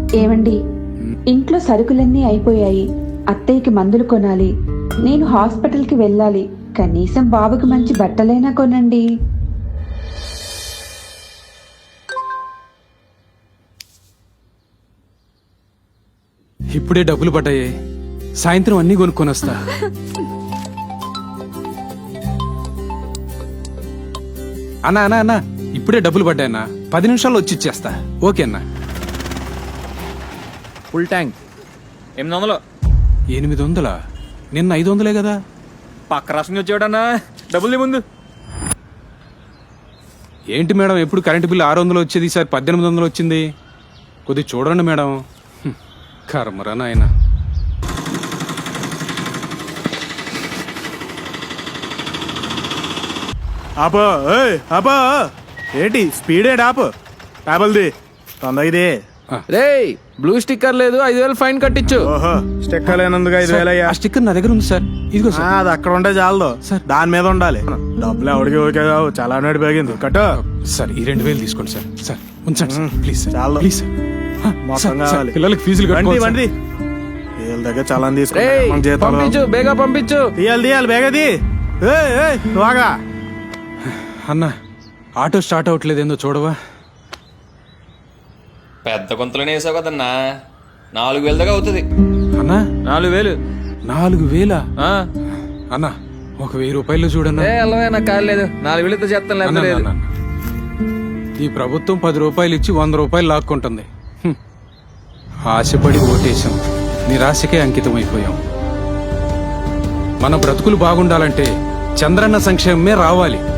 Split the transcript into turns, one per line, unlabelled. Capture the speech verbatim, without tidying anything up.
ఏమండి, ఇంట్లో సరుకులన్నీ అయిపోయాయి. అత్తయ్యకి మందులు కొనాలి. నేను హాస్పిటల్కి వెళ్ళాలి. కనీసం బాబుకి మంచి బట్టలైనా కొనండి.
ఇప్పుడే డబ్బులు పడ్డాయి. సాయంత్రం అన్నీ కొనుక్కొని వస్తా. అన్నా అన్నా అన్నా ఇప్పుడే డబ్బులు పడ్డాయన్నా. పది నిమిషాల్లో వచ్చి ఇచ్చేస్తా. ఓకే అన్నా.
ఫుల్ ట్యాంక్ ఎనిమిది వందలు.
ఎనిమిది వందలా? నిన్న ఐదు వందలే కదా.
పక్క రాష్ట్రం వచ్చాడన్నా. డబ్బులు ముందు.
ఏంటి మేడం, ఎప్పుడు కరెంటు బిల్లు ఆరు వందలు వచ్చేది, ఈసారి పద్దెనిమిది వందలు వచ్చింది. కొద్దిగా చూడండి మేడం. హ్మ్, కర్మరా నాయన.
ఆపో ఏయ్ ఆపో. ఏంటి స్పీడ్ ఏంటి? ఆపు. టాబుల్ది తొందరగా ఇది.
రేయ్, బ్లూ స్టిక్కర్ లేదు, ఐదు వేలు ఫైన్ కట్టించు.
ఓహో, స్టిక్కర్ లేనందుకు ఐదు వేలు అయ్యా.
ఆ స్టిక్కర్ నా దగ్గర ఉంది సార్. ఇదిగో
ఆ,
సార్.
అది అక్కడ ఉంటే చాలదు
సార్.
దాని మీద ఉండాలి. డబ్బులు ఎవరికి ఓకే కావు. చాలా నాటి పెరిగింది. కట్టు.
సార్ ఈ రెండు వేలు తీసుకోండి సార్. సార్ ఉంచండి సార్, ప్లీజ్ సార్.
చాలు.
Please sir. ఆ,
మొత్తం
సార్, సార్,
కావాలి.
పిల్లలకి ఫీజులు
బండి
కట్టుకోవాలి
బండి
సార్.
వీళ్ళ దగ్గర చాలా
రేయ్,
తీసుకుంటాం.
పంపించు, బేగా పంపించు.
తీయాలి తీయాలి బేగది. ఏయ్ ఏయ్ బాగా
అన్న, ఆటో స్టార్ట్ అవ్వట్లేదు, ఏందో చూడవా?
పెద్ద గుంతలోనే వేసావు కదన్నా. నాలుగు వేల దాకా అవుతుంది.
అన్నా
నాలుగు వేలు
నాలుగు వేలా?
ఆ.
అన్నా ఒక వెయ్యి రూపాయలు చూడన్నా.
ఏ అల్లవే, నాకు కాదు లేదు. నాలుగు వేలతో చేస్తాను,
అన్నా,
లేకపోతే లేదు.
అన్నా, అన్నా. ఈ ప్రభుత్వం పది రూపాయలు ఇచ్చి వంద రూపాయలు లాక్కుంటుంది. హ్మ్. ఆశపడి ఓటేశాం, నిరాశకే అంకితం అయిపోయాం. మన బ్రతుకులు బాగుండాలంటే చంద్రన్న సంక్షేమమే రావాలి.